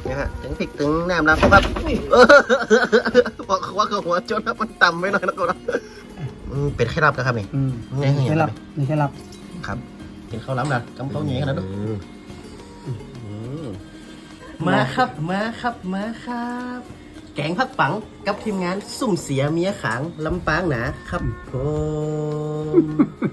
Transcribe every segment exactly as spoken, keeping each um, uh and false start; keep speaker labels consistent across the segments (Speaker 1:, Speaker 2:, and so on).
Speaker 1: นี่ฮะถึงพริกถึงแหนมแล้วครับเออบอกว่าเขาหัวจนนะมันต่ำไปหน่อยนะครับเป็นแค่รับนะครับนี่นี่แค่รับ
Speaker 2: นี่แค่รับ
Speaker 1: ครับกินข้าวล้ำนะกำข้าวเหนียวขนาดนั้นมาครับมาครับมาครับแกงผักปังกับทีมงานสุ่มเสียเมียขางลำปางหนาครับผม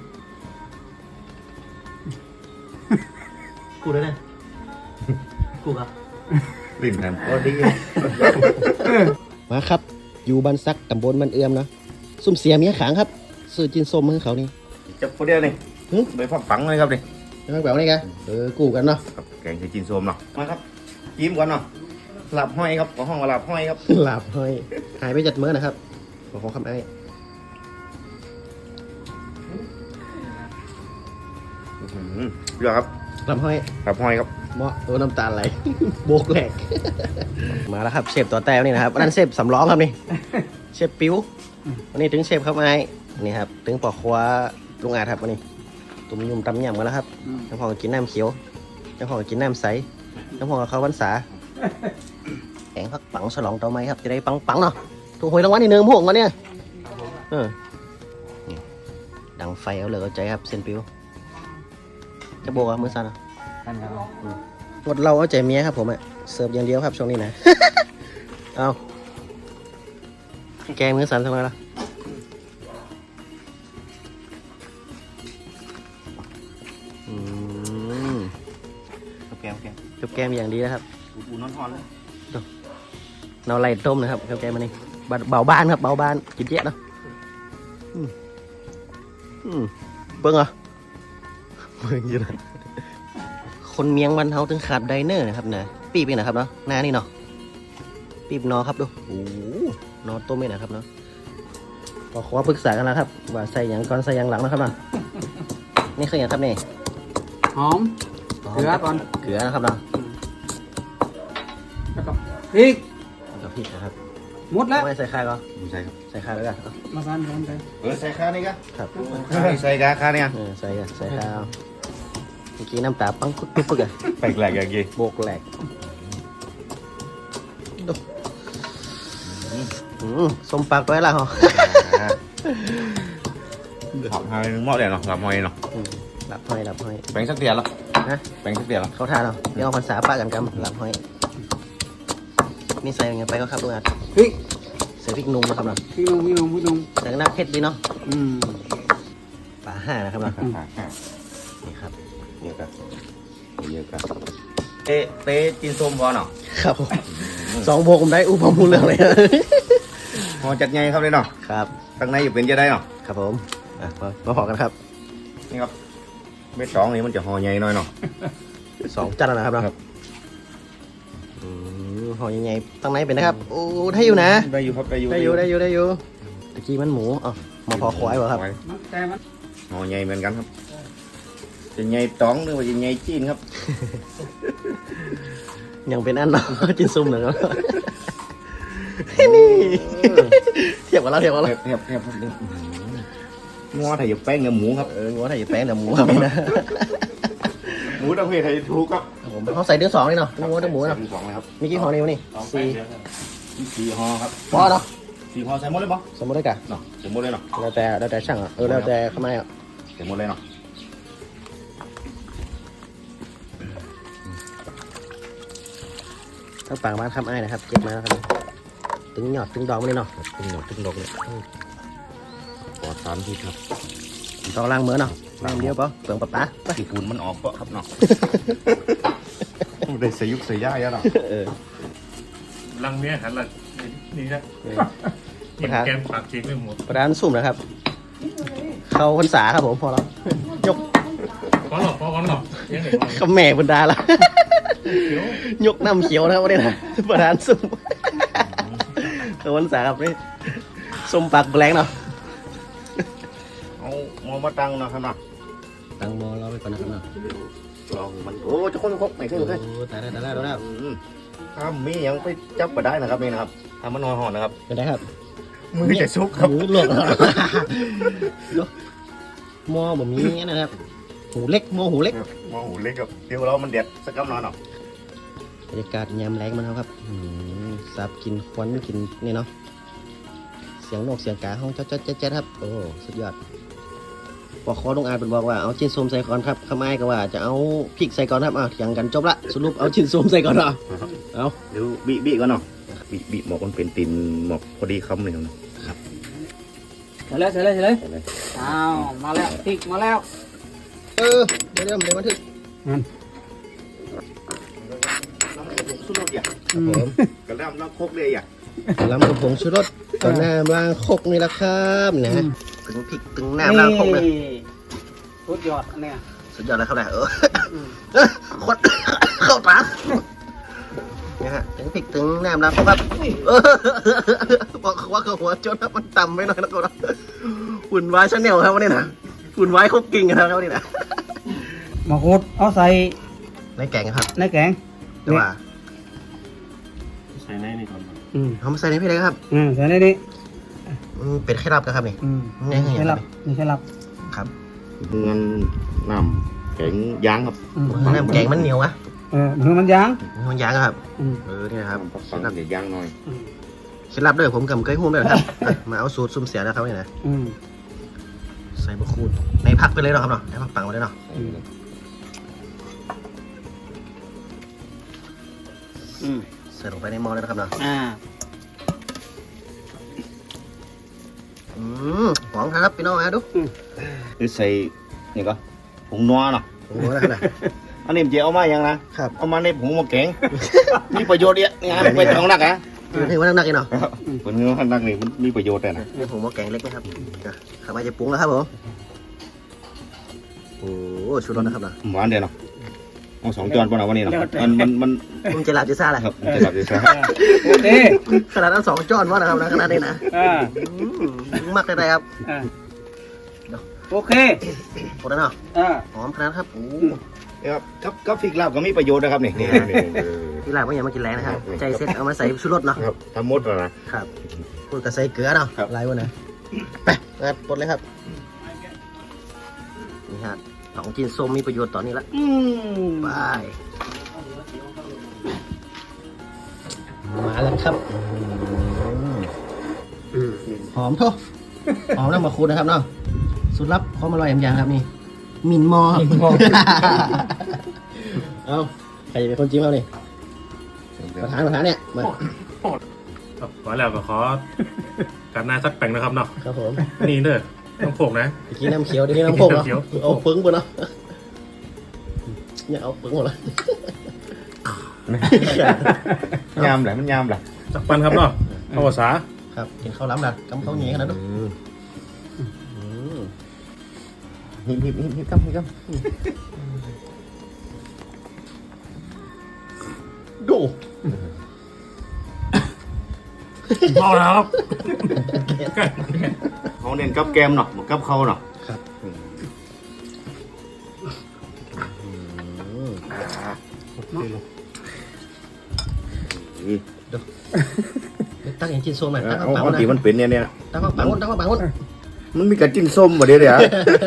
Speaker 1: กูด้วยนะกูครับ
Speaker 3: ริมแหมก็ดี
Speaker 1: มาครับอยู่บ้านซักตำบลมันเอื้อมนะสุ่มเสียเมียขางครับซื้อจินส้มให้เขานี่
Speaker 3: จับคนเดียวนี่ใบผักปังเลยครับดิ
Speaker 1: ไม่แบบนี้ไงเออกูกันเนาะ
Speaker 3: แกงใส่จินส้มเนาะมาครับจิ้มก่อนเนาะหลับห้อยครับของห้องหลับห้อยครับ
Speaker 1: หลับห้อยหายไปจัดเมื่อนะครับขอขอคำไอ้
Speaker 3: เรื่องครับ
Speaker 1: หลับห้อย
Speaker 3: หลับห้อยครับ
Speaker 1: เมาะตัวน้ำตาลไหลโบกแหลกมาแล้วครับเชฟตัวแต้วนี่นะครับนั่นเชฟสำล้อครับนี่เชฟปิ้ววันนี้ถึงเชฟครับไอ้นี่ครับถึงปอกคว้าลุงอาครับวันนี้ตุ่มยุ่มตำยำกันแล้วครับน้ำพองกินน้ำเขียวน้ำพองกินน้ำใสน้ำพองกับข้าววันษาแกงผักปังฉลองตัวไม้ครับจะได้ปังปังเนาะถูกหวยรางวัลที่หนึ่งพวกมันเนี่ยเออดังไฟเอาเลยเอาใจครับเซนปิวจะโบกอ่ะมือสั่นอ่ะหมดเราเอาใจเมียครับผมอ่ะเสิร์ฟอย่างเดียวครับช่วงนี้นะเอาแกงมือสั่นทำไมล่ะอืมแกมแกมแกมอย่างดีนะครับ
Speaker 3: อุ่นๆร้อนๆเลย
Speaker 1: เราไล่ต้มนะครับแกมมันนี่เบาบ้านครับเบาบ้านกินเยอะเนาะเบิ้งเหรอเบิ้งอยู่นะคนเมียงวันเฮาถึงขาดไดเนอร์นะครับนะปีบเองนะครับเนาะหน้านี่เนาะปีบนอครับดูโอ้นอต้มเองนะครับเนาะก็ขอปรึกษากันแล้วครับว่าใส่อย่างก่อนใส่อย่างหลังนะครับเนาะนี่คืออย่างครับนี่
Speaker 2: หอมเกลือก่อน
Speaker 1: เกลือนะครับเนาะ
Speaker 2: แล้วก็พริก
Speaker 1: แล้วก็พริกนะครับ
Speaker 2: หมดแล้ว
Speaker 1: ไม่ใส่ข้าวก็
Speaker 3: ไม่ใส่ครับ
Speaker 1: ใส่ข้าวแล้วกัน
Speaker 2: มากันกันไป
Speaker 3: เออใส่ข้าวนี่กัน
Speaker 1: ครับ
Speaker 3: ใส่กาข้าวเนี่ย
Speaker 1: เออใส่กันใส่ข้าวเมื่อกี้น้ำตาปังปึ๊กปึ๊กอะ
Speaker 3: แปลกแหลกอย่างกี้
Speaker 1: โบกแหลกส้มปากไว้ละเหรอ
Speaker 3: หลับหอยหม้อเดียวเนาะหลับหอยเนาะ
Speaker 1: หลับหอยหลับหอย
Speaker 3: แบ่งสักเดียวละ
Speaker 1: นะ
Speaker 3: แบ่งสักเดียวละ
Speaker 1: เขาทานเนาะเดี๋ยวเอาภาษาป้ากันกันหลับหอยนี่ใส่ยังไงไปก็ครับลุงอา
Speaker 2: พริก
Speaker 1: ใส่พริกนุ่มนะครับเนาะ
Speaker 2: พริกนุ่มพริกนุ่มพริกนุ่ม
Speaker 1: แต่น้ำเผ็ดดีเนาะ
Speaker 2: อืม
Speaker 1: ป่าห้านะครับเนาะนี่ครับ
Speaker 3: เยอะกันเยอะกันเตะเตะจินส้มพอเนาะ
Speaker 1: ครับสองโบกผมได้อุปมูลเรื่องเลย
Speaker 3: พอจัดไงครับเลยเนาะ
Speaker 1: ครับ
Speaker 3: ตั้งในอยู่เป็นจะได้เนาะ
Speaker 1: ครับผมมาพอกันครับ
Speaker 3: นี่ครับเม็ดสองนี่มันจะห่อใหญ่หน่อยเนาะ
Speaker 1: สองจานนะครับเนาะห่อใหญ่ๆตั้งในเป็นนะครับโอ้ได้อยู่นะ
Speaker 3: ได้อยู่ครับได้อยู่
Speaker 1: ได้อยู่ได้อยู่ได้อยู่ตะกี้มันหมูอ๋อมาพอควายเหรอครับ
Speaker 3: ห่อใหญ่เหมือนกันครับจะใหญ่ต้องหรือว่าจะใหญ่จีนครับ
Speaker 1: ยังเป็นอันเนาะจินซุ่มหนึ่งแล้วนี่เทียบกับเราเทียบกับเรา
Speaker 3: เทียบเทียบงัวไทยแป้งกับหมูครับ
Speaker 1: เอองัวไทยแป้งกับหมูครับนะ
Speaker 3: หมูต้องเพศไทยถูกครับ
Speaker 1: ผมเขาใส่เดือดสองนี่เนาะงัวเดือดหมูเนาะ
Speaker 3: สองเลยครับ
Speaker 1: มีกี่ห่อนี่วะนี่สี่
Speaker 3: สี่ห่อครับ
Speaker 1: พอเนาะ
Speaker 3: สี่ห่อใส่หมดเลยปะ
Speaker 1: ใส่หมดเลยกัน
Speaker 3: เนาะใส่หมดเลยเนาะ
Speaker 1: แล้วแต่แล้วแต่ช่างอ่ะเออแล้วแต่ข้างในอ่ะ
Speaker 3: ใส่หมดเลยเนาะ
Speaker 1: ทั้งปากบ้านคำไอ้นะครับเก็บมาแล้วครับตึงหยอดตึงดองไม่ได้เนาะ
Speaker 3: ตึงหยอดตึงดองเลยปอดสารพิษครับ
Speaker 1: ต้องล้างมือเนาะล้างเดียวปะเปลืองปะปะ
Speaker 3: ที่ปูนมันออกปะครับเนาะได้ใส่ยุกใส่ย่าเยอะเนาะ
Speaker 4: ลังเมียหันหลังนี่นะกินแกงปากเค้กไม่หมด
Speaker 1: ประดานสุ่มนะครับเข้าพรรษาครับผมพอแล้วยก
Speaker 4: พอหรอพอหรอยังไง
Speaker 1: ก็แม่บรรดาละยกน้ำเขียวนะครับวันนี้นะประดานสุ่มเข้าพรรษาครับนี่สุ่มปากแรงเนาะ
Speaker 3: เอาหม้อมาตั้งเนาะครับเนาะ
Speaker 1: ตั้งหม้อเราไปก่อนนะครับเนาะ
Speaker 3: ลองมันโอ้จะคนครบไม่ใช่หรือไง
Speaker 1: โอ้ตายแล้วตายแล้วตายแล้ว
Speaker 3: ถ้ามียังไปจับมาได้นะครับนี่นะครับทำมันนอนห่อนนะครับ
Speaker 1: เป็นไงครับ
Speaker 3: มือจะซุกครับ
Speaker 1: มือหลวกหม้อแบบนี้นะครับหูเล็กหม้อหูเล็ก
Speaker 3: หม้อหูเล็กกับเดี๋ยวเรามันเด็ดสักกำนอนหรอ
Speaker 1: บรรยากาศยามแรงมันครับอืมสับกินควันกินนี่เนาะเสียงนกเสียงกาห้องเจ๊ดเจ๊ดเจ๊ดครับโอ้สุดยอดปอกคอลุงอาจเป็นบอกว่าเอาชิ้นส้มใส่ก่อนครับข้าไม้ก็ว่าจะเอาพริกใส่ก่อนครับอ้าวเถียงกันจบละสรุปเอาชิ้นส้มใส่ก่อนเนาะเอา
Speaker 3: เดี๋ยวบีบีก่อนเนาะบีบีหมอกมันเป็นตีนหมอกพอดีคำเลยครับ
Speaker 2: ใส่เลยใส่เลยใส่เลย
Speaker 3: ใช่ไหม
Speaker 2: อ้าวมาแล้วพริกมาแล้ว
Speaker 1: เออเดี๋ยวเดี๋ยวเดี๋ยวบันทึก
Speaker 2: นั่น
Speaker 3: สุดยอดอย่าง
Speaker 1: ครับผม
Speaker 3: กระด้างน้ำโคกเลยอย่าง
Speaker 1: ลำกระผงชูรสต่อหน้าล้างคกนี่แหละครับนะถึงพริกถึงน้ำล้างคกเลย
Speaker 2: สุดยอดอันเนี้ย
Speaker 1: สุดยอดเลยครับนะเออคน เข้าตาเนี่ยฮะถึงพริกถึงน้ำล้างคกครับเออบอกว่าเขาหัวจนมันต่ำไปหน่อยนะครับหุ่นวายชาแนลครับวันนี้นะหุ่นวายคกกิ่งนะครับวันนี้นะ
Speaker 2: มะกรูดเอาใส่
Speaker 1: ในแกงครับ
Speaker 2: ในแกง
Speaker 1: แต่ว่า
Speaker 4: ใส่ในนี่ก่อน
Speaker 2: อืม
Speaker 1: เขามาใส่ในพี่เลยครับ
Speaker 2: อืมใส่ในนี้
Speaker 1: อืมเป็ดไข่รับนะครับนี่
Speaker 2: อืม
Speaker 1: นี่คืออย่างไร
Speaker 2: ใช่ลับนี่ใช่ลับ
Speaker 1: ครับ
Speaker 3: เงินน้ำแข็งย่างครับ
Speaker 2: อืม
Speaker 1: น้ำแกงมันเหนียวอะ
Speaker 2: เออมือมันยาง
Speaker 1: มันยางอะครับ
Speaker 2: อืม
Speaker 1: เออนี่นะครับ
Speaker 3: น้ำปักปังเดี๋ยวย่างหน่อย
Speaker 2: อืม
Speaker 1: เคล็ดลับเลยผมกับเคยหุ้มเลยนะครับอ่ะมาเอาสูตรซุ่มเสียนะครับนี่นะ
Speaker 2: อืม
Speaker 1: ใส่บะคูดในพักไปเลยเนาะครับเนาะในพักปังไปเลยเนาะ
Speaker 2: อืมอืม
Speaker 1: ใส่ลงไปในหม้อเลยนะครับเนาะ
Speaker 2: อ่า
Speaker 1: อืมหอมครับพี่น้องมาดู
Speaker 3: คือใส่นี่ก็ผงนัวเนาะ
Speaker 1: โอ้โหนะครับนะ
Speaker 3: อันนี้มันจะเอามาอย่างนะครับ เอามาในผงมะแกง มีประโยชน์เยอะงานไปทางนักอะ
Speaker 1: คือให้ว่านักๆอีกเนาะ
Speaker 3: ผลเงินนักนี่มันมีประโยชน์แต่นะ
Speaker 1: นี่ผมว่าแกงเล็กนะครับนะข้าวมาจะปรุงแล้วครับผมโอ้โหชุดรสนะครับเนาะ
Speaker 3: หวานเดียวเนาะเอาสองจานป่ะเนาะวันนี้เนาะมันมันมัน
Speaker 1: มันจะหลับจะซ่าแหละ
Speaker 3: ครับจะหลับจะซะ
Speaker 2: โอเค
Speaker 1: ขนาดนั้นสองจอนว่านะครับนะขนาดนี้นะ
Speaker 2: อ่า
Speaker 1: อืมมักได้ๆครับ
Speaker 2: อ่าโอเค
Speaker 1: หมดแล้วเนาะ
Speaker 2: อ่า
Speaker 1: หอมขนาดครับโอ้
Speaker 3: ครับกับกับฟิกลาบก็มีประโยชน์นะครับนี่นี่นี่
Speaker 1: ที่หลังว่าอย่ามากินแรงนะครับใจเซ็ตเอามาใส่ชุดรสเนาะ
Speaker 3: ครับทำหมดแล้วนะครับ
Speaker 1: พูดกับใส่เกลือเนาะ
Speaker 3: ครับ
Speaker 1: ลายวันนะไปงัดปลดเลยครับนี่ฮะของกินส้มมีประโยชน์ต่อนี้ละ
Speaker 2: อืม
Speaker 1: ไปมาแล้วครับอืมหอมทุกหอมน้ำมะคูดนะครับเนาะสูตรลับความอร่อยอย่างครับนี่มินมอเอาใครจะเป็นคนจิ้มเอานี่ประธานประธานเนี่ยมา
Speaker 4: ขอแล้วก็ขอการหน้าสักแป่งนะครับเนาะ
Speaker 1: ครับผม
Speaker 4: นี่เด้อต้องโขกนะ
Speaker 1: เมื่อกี้น้ำเขียวเดี๋ยวนี้น้ำโคกเหรอ
Speaker 4: น้ำเขียว
Speaker 1: เอาปึ้งไปเนาะเนี่ยเอาปึ้งหมดเลย
Speaker 3: ยามแหละมันยามแหละ
Speaker 4: สักปันครับเนาะภาษา
Speaker 1: ครับกินข้าวล้ำละกำข้าวเหนียวขนาดนั้น
Speaker 3: หิบหิบหิบหิบกับหิบกับ
Speaker 1: ดู
Speaker 4: เมาแล้วครับ
Speaker 3: เขาเน้นกับแกมเนาะบ่กับเขาเนาะ
Speaker 1: ครับตั้งอย่างจินโซมหน่อยตั้ง
Speaker 3: เอา
Speaker 1: ปัง
Speaker 3: เอา
Speaker 1: นะ
Speaker 3: ที่มันเป็นเนี่ยเนี่ย
Speaker 1: ตั้งปังตั้งปัง
Speaker 3: มันมีกระจิ้นส้มบ่เดี๋ยวเดี๋ยว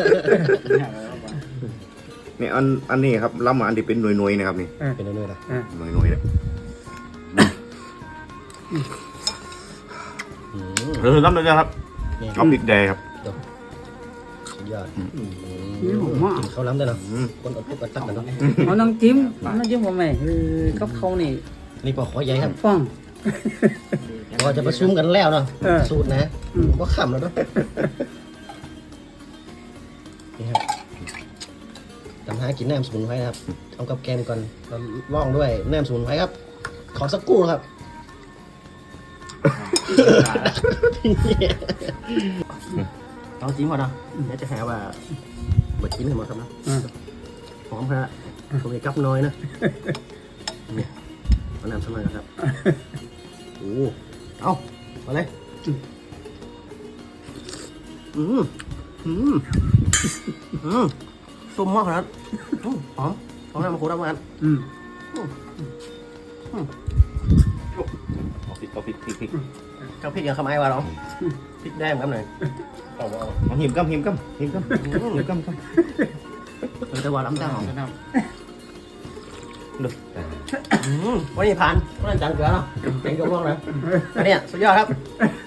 Speaker 3: นี่อันอันนี้ครับล้ำมาอันที่เป็นหน่วยๆนะครับนี่
Speaker 1: เป็นเรื่อยๆนะ
Speaker 3: หน่วยๆเนี่ยเออล้ำเลยนะครับ
Speaker 1: นี่
Speaker 3: เอาพริกแดงครับ
Speaker 1: สุดยอด
Speaker 2: นี่ผมว่า
Speaker 1: กินข้าวล้ำได้เนาะ
Speaker 3: อืม
Speaker 1: คนอดทุกข์อดตักกันเนาะ
Speaker 2: เอาน้ำจิ้มน้ำจิ้มผมไหมคือกับเขานี่
Speaker 1: นี่ปอกขอใหญ่ครับ
Speaker 2: ฟัง
Speaker 1: เราจะประชุมกันแล้วเนาะ
Speaker 2: เออ
Speaker 1: สูตรนะ
Speaker 2: อืม
Speaker 1: ก็ขำแล้วเนาะนี่ครับทำหากินแหนมสมุนไพรนะครับทำกับแกมก่อนแล้วล่องด้วยแหนมสมุนไพรครับ ขอสักกู้ครับ เอาจริงก่อนเนาะเดี๋ยวจะหาว่าเบิดกินให้หมดครับนะ
Speaker 2: อ่า
Speaker 1: หอมครับผมจะกับน้อยนะเนี่ยเอาน้ำสักหน่อยนะครับโอ้เอามาเลยอืมอืมอืมส้มมากขนาดอืมหอมหอมน้ำมะกรูดน้ำมัน
Speaker 2: อืม
Speaker 3: เอาพริกเอาพริกพริกพริก
Speaker 1: เจ้าพริกยังขมายว่าหรอพริกแดงครับหน่อยเอาเอา
Speaker 3: เอาหิมกับหิมกับหิมกับหิมกับกับ
Speaker 1: เอาแต่ว่าล้ำจังหอม
Speaker 3: ดู
Speaker 1: อืมวันนี้ผ่านวันนั้นจังเกลือเนาะเป็นกระบอกเลยอันเนี้ยสุดยอดครับ